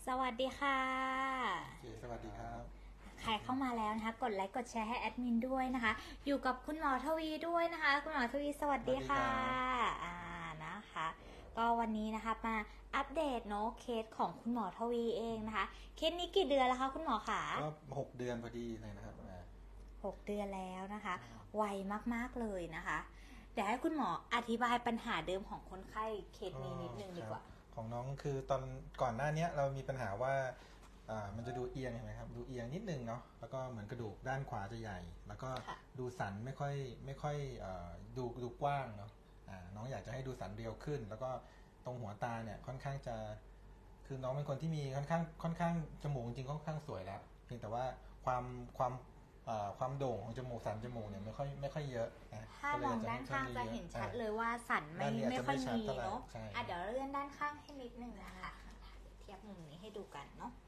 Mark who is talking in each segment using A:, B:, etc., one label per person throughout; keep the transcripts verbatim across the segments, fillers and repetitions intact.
A: สวัสดีค่ะ
B: โอเคสวัสดีครับ
A: ใครเข้ามาแล้วนะคะกดไลค์กดแชร์ให้แอดมินด้วยนะคะอยู่กับคุณหมอทวีด้วยนะคะคุณหมอทวีสวัส
B: สวั
A: ดีค่ะ
B: สดีครับ
A: อ่านะคะก็วันนี้นะคะมาอัปเดตเนาะเคสของคุณหมอทวีเองนะคะเคสนี้กี่เดือนแล้วคะคุณหมอคะ
B: ก็หกเดือนพอดีเลยนะครับอ่า
A: หกเดือนแล้วนะคะไวมากๆเลยนะคะเดี๋ยวให้คุณหมออธิบายปัญหาเดิมของคนไข้เคสนี้นิดนึงดีกว่า
B: ของน้องคือตอนก่อนหน้านี้เรามีปัญหาว่าอ่ามันจะดูเอียงใช่ไหมครับดูเอียงนิดนึงเนาะแล้วก็เหมือนกระดูกด้านขวาจะใหญ่ แล้วก็ดูสันไม่ค่อยไม่ค่อยดูดูกว้างเนาะอ่าน้องอยากจะให้ดูสันเรียวขึ้น แล้วก็ตรงหัวตาเนี่ยค่อนข้างจะคือน้องเป็นคนที่มีค่อนข้างค่อนข้างจมูกจริงๆค่อนข้างสวยแล้วเพียงแต่ว่าความความความโด่งของจมูกสันจมูกเนี่ยไม่ค่อยไม่ค่อยเยอะนะ
A: ถ้ามองด้านข้างจะเห็นชัดเลยว่าสันไม่ไม่ค่อยมีเนาะอ่ะเดี๋ยวเลื่อนด้านข้างให้นิดนึงนะคะเทียบมุมนี้ให้ดูกันเนาะ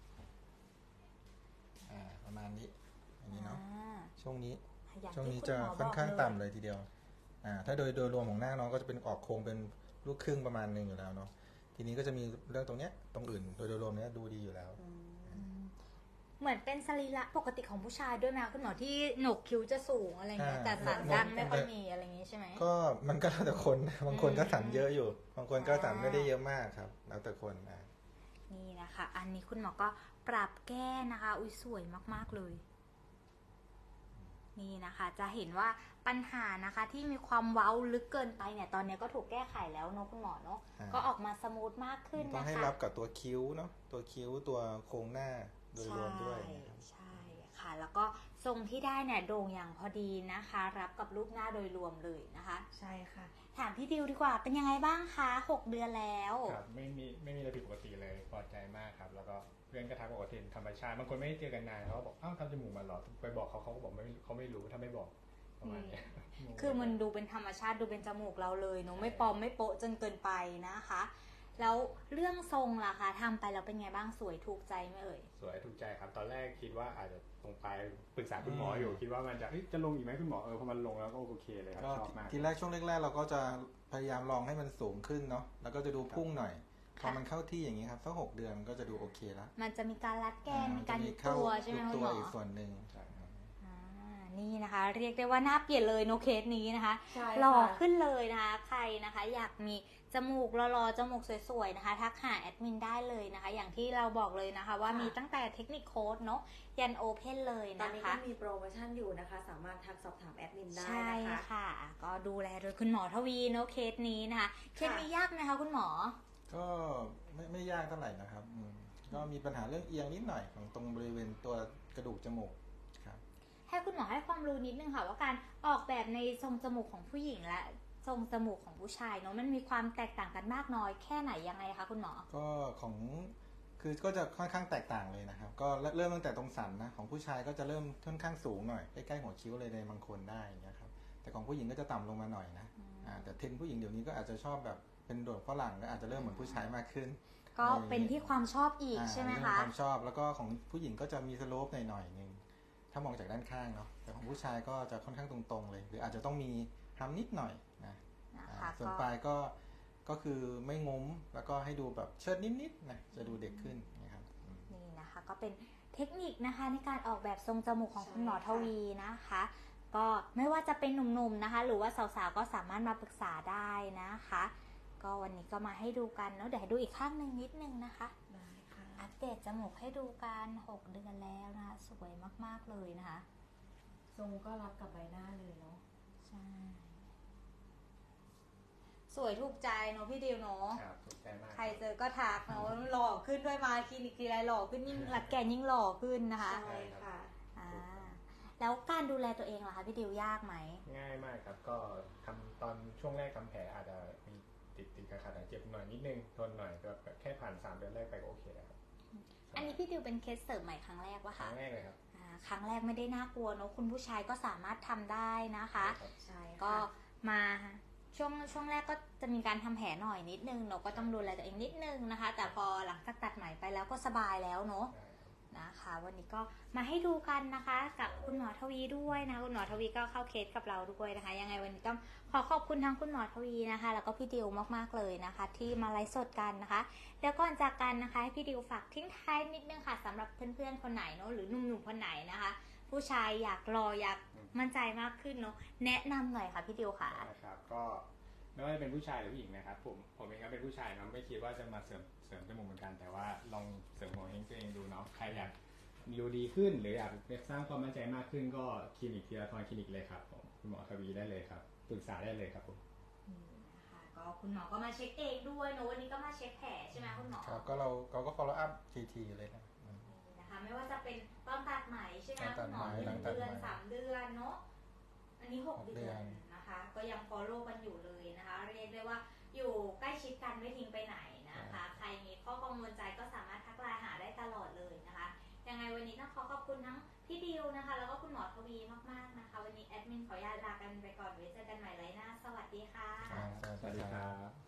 B: อ่าประมาณนี้อันนี้เนาะช่วงนี้
A: อย่าง
B: ช่วง
A: ที่
B: นี้
A: คุณ
B: จะ
A: หมอบอก
B: ค่อนข้าง
A: เลย
B: ต่ำเลยทีเดียวอ่าถ้าโดยโดยรวมของหน้าน้องก็จะเป็นออกโครงเป็นลูกครึ่งประมาณหนึงอยู่แล้วเนาะทีนี้ก็จะมีเรื่องตรงเนี้ยตรงอื่นโดยโดยรวมเนี้ยดูดีอยู่แล้ว
A: เหมือนเป็นสรีระปกติของผู้ชายด้วยไหมคะคุณหมอที่โหนกคิ้วจะสูงอะไรเงี้ยแต่สันดังไม่ค่อยมีอะไรอย่างงี้ใช่ไหม
B: ก็มันก็แล้วแต่คนบางคนก็สันเยอะอยู่บางคนก็สันไม่ได้เยอะมากครับแล้วแต่คนนะ
A: นี่นะคะอันนี้คุณหมอก็ปรับแก้นะคะอุ้ยสวยมากๆเลยนี่นะคะจะเห็นว่าปัญหานะคะที่มีความเว้าลึกเกินไปเนี่ยตอนนี้ก็ถูกแก้ไขแล้วเนาะคุณหมอเนาะก็ออกมาสมูทมากขึ้นนะคะ
B: ต้องให้รับกับตัวคิ้วเนาะตัวคิ้วตัวโครงหน้าโดยรวมด้วย
A: ใช่ค่ะแล้วก็ทรงที่ได้เนี่ยโด่งอย่างพอดีนะคะรับกับรูปหน้าโดยรวมเลยนะคะ
C: ใช่ค่ะ
A: ถามพี่ดิวดีกว่าเป็นยังไงบ้างคะหกเดือนแล้ว
D: ครับไม่มีไม่มีอะไรผิดปกติเลยพอใจมากครับแล้วก็เพื่อนก็ทักบอกว่าเป็นธรรมชาติบางคนไม่ได้เจอกันนานเขาบอกอ้าวทำจมูกมาหรอไปบอกเขาเขาก็บอกไม่เขาไม่รู้ถ้าไม่บอกประมาณนี้
A: คือมันดูเป็นธรรมชาติดูเป็นจมูกเราเลยเนาะไม่ปลอมไม่โป๊ะจนเกินไปนะคะแล้วเรื่องทรงล่ะคะทำไปแล้วเป็นไงบ้างสวยถูกใจไหมเอ่ย
D: สวยถูกใจครับตอนแรกคิดว่าอาจจะตรงไปปรึกษาคุณหมออยู่คิดว่ามันจะจะลงอีกไหมคุณหมอเออพอมันลงแล้วก็โอเคเลยครับชอบมาก
B: ทีแรกช่วงแรกๆเราก็จะพยายามลองให้มันสูงขึ้นเนาะแล้วก็จะดูพุ่งหน่อยพอมันเข้าที่อย่างนี้ครับสักหกเดือนก็จะดูโอเคแล้ว
A: มันจะมีการรัดแกนมีการยุบตัวใช่ไหมคุณหมอ
B: อีกส่วนหนึ่ง
A: นี่นะคะเรียกได้ว่าหน้าเปลี่ยนเลยโนเคสนี้นะคะหล่อขึ้นเลยนะคะใครนะคะอยากมีจมูกหล่อๆจมูกสวยๆนะคะทักหาแอดมินได้เลยนะคะอย่างที่เราบอกเลยนะคะว่ามีตั้งแต่เทคนิคโค้ดเนาะยันโอเพนเลยนะคะตอนนี้
C: ก็มีโปรโมชั่นอยู่นะคะสามารถทักสอบถามแอดมินได้นะคะใช่
A: ค่ะก็ดูแลโดยคุณหมอทวีเนาะเคสนี้นะคะเคสนี้ยากไหมคะคุณหมอ
B: ก็ไม่ไม่ยากเท่าไหร่นะครับก็มีปัญหาเรื่องเอียงนิดหน่อยของตรงบริเวณตัวกระดูกจมูกครับ
A: ให้คุณหมอให้ความรู้นิดนึงค่ะว่าการออกแบบในทรงจมูกของผู้หญิงและทรงจมูกของผู้ชายเนาะมันมีความแตกต่างกันมากน้อยแค่ไหนยังไงคะคุณหมอ
B: ก็ของคือก็จะค่อนข้างแตกต่างเลยนะครับก็เริ่มตั้งแต่ตรงสันนะของผู้ชายก็จะเริ่มค่อนข้างสูงหน่อยใกล้ๆหัวคิ้วเลยในบางคนได้อย่างเงี้ยครับแต่ของผู้หญิงก็จะต่ำลงมาหน่อยนะอ่าแต่เทรนด์ผู้หญิงเดี๋ยวนี้ก็อาจจะชอบแบบเป็นโดดฝรั่งก็อาจจะเริ่มเหมือนผู้ชายมากขึ้น
A: ก็เป็นที่ความชอบอีกใช่ไหมคะ
B: ความชอบแล้วก็ของผู้หญิงก็จะมีสโลปหน่อยๆนึงถ้ามองจากด้านข้างเนาะแต่ของผู้ชายก็จะค่อนข้างตรงๆเลยหรืออาจจะต้องมีทำนิดหน่อยนะส่วนปลายก็ก็คือไม่งุ้มแล้วก็ให้ดูแบบเชิดนิดๆนะจะดูเด็กขึ้นนะครับ
A: นี่นะคะก็เป็นเทคนิคนะคะในการออกแบบทรงจมูกของคุณหมอทวีนะคะก็ไม่ว่าจะเป็นหนุ่มๆนะคะหรือว่าสาวๆก็สามารถมาปรึกษาได้นะคะก็วันนี้ก็มาให้ดูกันเนาะเดี๋ยวให้ดูอีกข้างหนึ่งนิดนึงนะคะ
C: ได้ค่ะ
A: อัปเดตจมูกให้ดูกันหกเดือนแล้วนะคะสวยมากๆเลยนะคะ
C: ทรงก็รับกับใบหน้าเลยเนาะ
A: ใช่สวยถูกใจเนาะพี่ดิวเนาะ
D: ครับถูกใจมาก
A: ใครเจอก็ทักเนาะหล่อขึ้นด้วยมาคลินิกทีไรหล่อขึ้นยิ่งรัดแกนยิ่งหล่อขึ้นนะคะ
C: ใช่ค่ะ
A: อ่าแล้วการดูแลตัวเองล่ะคะพี่ดิวยากไหม
D: ง่ายมากครับก็ทำตอนช่วงแรกทำแผลอาจจะมีติดติดขัดๆเจ็บหน่อยนิดนึงทนหน่อยก็แค่ผ่านสามเดือนแรกไปก็โอเคแล้วครับ
A: อันนี้พี่ดิวเป็นเคสเสริมใหม่ครั้งแรกวะคะ
D: ครั้งแรกเลยครับ
A: ครั้งแรกไม่ได้น่ากลัวเนาะคุณผู้ชายก็สามารถทำได้นะคะ
C: ใช่
A: ก็มาช่วงช่วงแรกก็จะมีการทำแผลหน่อยนิดนึงเราก็ต้องดูแลตัวเองนิดนึงนะคะแต่พอหลังจากตัดไหมไปแล้วก็สบายแล้วเนาะนะคะ วันนี้ก็มาให้ดูกันนะคะกับคุณหมอทวีด้วยนะคุณหมอทวีก็เข้าเคสกับเราด้วยนะคะยังไงวันนี้ต้องขอขอบคุณทั้งคุณหมอทวีนะคะแล้วก็พี่ดิวมากๆเลยนะคะ ที่มาไลฟ์สดกันนะคะแล้วก่อนจากกันนะคะให้พี่ดิวฝากทิ้งท้ายนิดนึงค่ะสำหรับเพื่อนๆคนไหนเนาะหรือหนุ่มๆคนไหนนะคะ ผู้ชายอยากรออยากมั่นใจมากขึ้นเนาะแนะนำหน่อยค่ะพี่ดิวค่ะ
D: นะครับก็ไม่ว่าจะเป็นผู้ชายหรือผู้หญิงนะครับผมผมเองก็เป็นผู้ชายเนาะไม่คิดว่าจะมาเสริมเสริมจมูกเหมือนกันแต่ว่าลองเสริมหัวเฮงตัวเองดูเนาะใครอยากดูดีขึ้นหรืออยากสร้างความมั่นใจมากขึ้นก็คลินิกธีรทรคลินิกเลยครับผมคุณหมอทวีได้เลยครับปรึกษาได้เลยครับผม
A: นะคะก็คุณหมอก็มาเช็คเองด้วยเนอะวันนี้ก็มาเช็คแผลใช่ไหมคุณหมอ
B: ครับก็เราเราก็ follow up ทีทีเลยนะอืม
A: นะคะไม่ว่าจะเป็นตอนตัดไหมใช่ไหม
B: ตอนตั
A: คุ
B: ด
A: ณห
B: ไห
A: ม
B: ม
A: อห
B: หลั
A: นึ่
B: ง
A: ง
B: ตัด
A: เดือน
B: ไหม
A: สามเดือนเนาะอันนี้หก
B: หก
A: เดือน
B: เดือน
A: นะคะ ก็ยัง follow กันอยู่เลยนะคะ เรียกได้ว่าอยู่ใกล้ชิดกันไม่ทิ้งไปไหนนะคะ ใครมีข้อกังวลใจก็สามารถทักไลน์หาได้ตลอดเลยนะคะยังไงวันนี้ต้องขอขอบคุณทั้งพี่ดิวนะคะ แล้วก็คุณหมอทวีมากๆนะคะ วันนี้แอดมินขออนุญาตลากันไปก่อนไว้เจอกันใหม่ไลน์หน้าสวัสดีค่ะ
B: อ่า
D: สวัสดีครับ